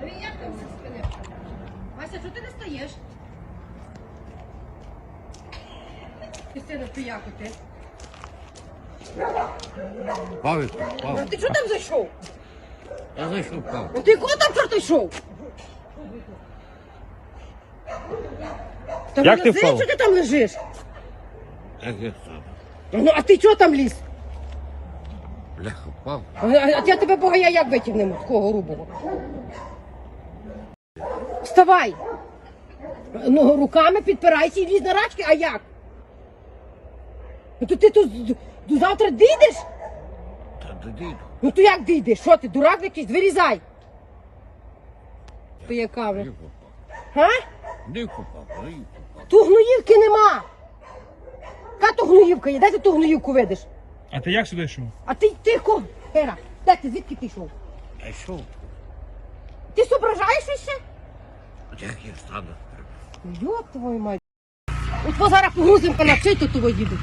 як там зі спини? Вася, що ти не стаєш? Ти сина пияку ти. Павик, А Павик. ти що там зайшов? Я зайшов Павик. А ти кого там чорт йшов? Та Як ти вилази, впав? що ти там лежиш? Як я сам. Ну, а ти чого там ліз? Бляха, впав. А я тебе богая як витягнемо, такого грубого? Вставай! Ну, руками підпирайся і лізь на рачки, а як? Ну, то ти тут до завтра дійдеш? Та додійду. Ну то як дійдеш? Що ти, дурак якийсь? Вирізай! То яка вже? Не попав. Га? Не попав, не попав. Ту гноївки нема! Яка то гноївка є? Де ти ту гноївку видиш? А ти як сюди йшов? А ти тихо! Гера, де ти, звідки ти йшов? А що? Ти зображаєш ще? Як я стану? Йоп твою мать. От зараз погрузимо панавчий, то того їдуть.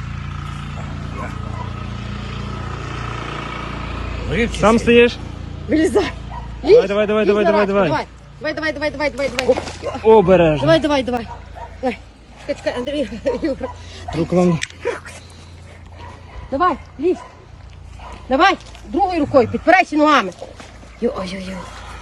Сам стоїш? Вилізай. Лізь. Давай, давай, Лізь давай, на давай, рачку, давай. Давай. Обережно. Давай. Давай. Чекай, Андрій. Руку нам. Давай, лізь. Давай, другою рукою, підпирайся ногами. Ой-ой-ой.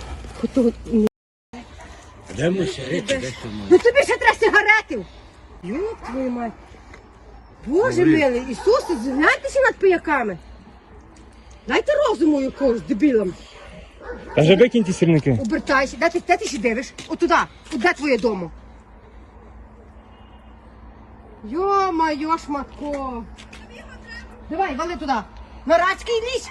Де ми сигарети, де що ми? Ну тобі ще треба сигаретів. Йоп твою мать. Боже милий, Ісусе, згляньтеся над пияками. Дайте розуму якогось дебілам. Та вже викинь ті сірники. Обертайся, де ти ще дивиш? Отуда, от де твоє домо? Йо-майо, шматко. Давай, вали туди. На рачки і лізь.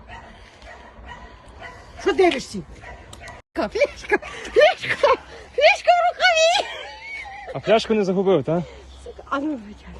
Що дивишся? Флешка в рукаві. А пляшку не загубив, так? А ну, витягай.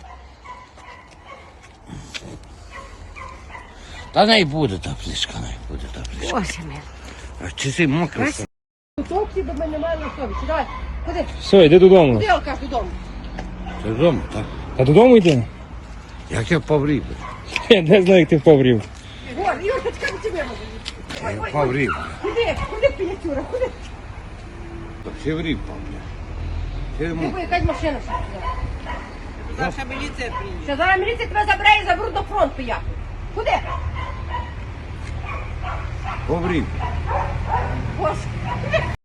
Та не буде та плішка, не буде та плішка. Боже милий. А чи ти мокрий? Вась, Товці до мене немає на совісті. Давай, ходи. Все, йди додому. Куди алкаш додому? Ти вдома, так? Та додому йди. Як я поврів? Я не знаю, як ти поврів. Гор, Юрочка, до тебе може. Я поврів. Куди піятюра, куди? Всі врів, Павля. Ти Ти мокрий. бо якась машина ще приїде. Наша міліція приїде. Ще зараз міліція тебе забере і заберуть до фронту я. Куди? Поврів. Боже.